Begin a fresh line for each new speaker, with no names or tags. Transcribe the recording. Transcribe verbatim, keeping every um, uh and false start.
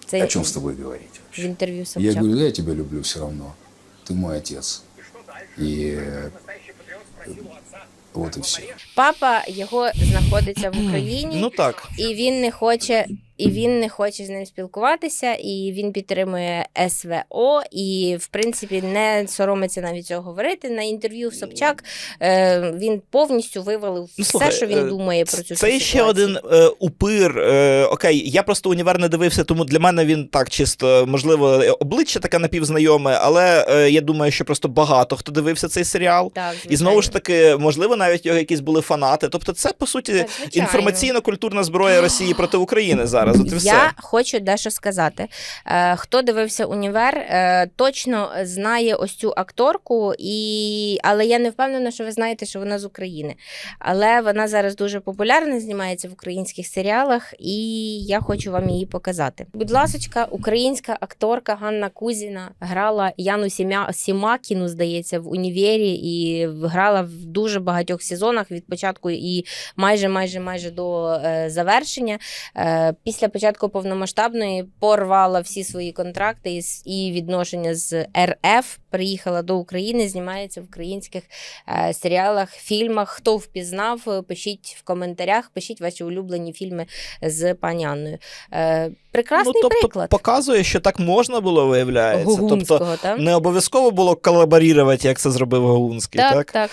Це
О чем с тобой говорить
в
вообще?
інтерв'ю
Я
Собчак.
говорю, да, я тебя люблю все равно. Ты мой отец. И э, вот и все.
Папа його знаходиться в Україні,
Ну так.
і він не хоче, і він не хоче з ним спілкуватися, і він підтримує ес ве о, і, в принципі, не соромиться навіть цього говорити. На інтерв'ю в Собчак е, він повністю вивалив
Ну,
все,
слухай,
що він
е,
думає про цю
Це
всю
ще
ситуацію.
один е, упир. Е, окей, я просто універ не дивився, тому для мене він так чисто, можливо, обличчя таке напівзнайоме, але е, я думаю, що просто багато хто дивився цей серіал.
Так,
І знову
звичайно.
ж таки, можливо, навіть його якісь були фанати. Тобто це, по суті,
Так, звичайно.
інформаційно-культурна зброя Росії проти України зараз. От і все.
Я хочу дещо сказати. Е, хто дивився «Універ», е, точно знає ось цю акторку, і... але я не впевнена, що ви знаєте, що вона з України. Але вона зараз дуже популярна, знімається в українських серіалах, і я хочу вам її показати. Будь ласочка, українська акторка Ганна Кузіна грала Яну Сімя... Сімакіну, здається, в «Універі», і грала в дуже багатьох сезонах від початку і майже-майже-майже до е, завершення. Е, після початку повномасштабної порвала всі свої контракти і, с- і відношення з ер еф, приїхала до України, знімається в українських е, серіалах, фільмах. Хто впізнав, е, пишіть в коментарях, пишіть ваші улюблені фільми з пані Анною. Е, прекрасний
ну, тобто,
приклад.
показує, що так можна було, виявляється.
Гогунського,
Тобто,
так?
не обов'язково було колаборувати, як це зробив Гогунський,
Так,
так?
так,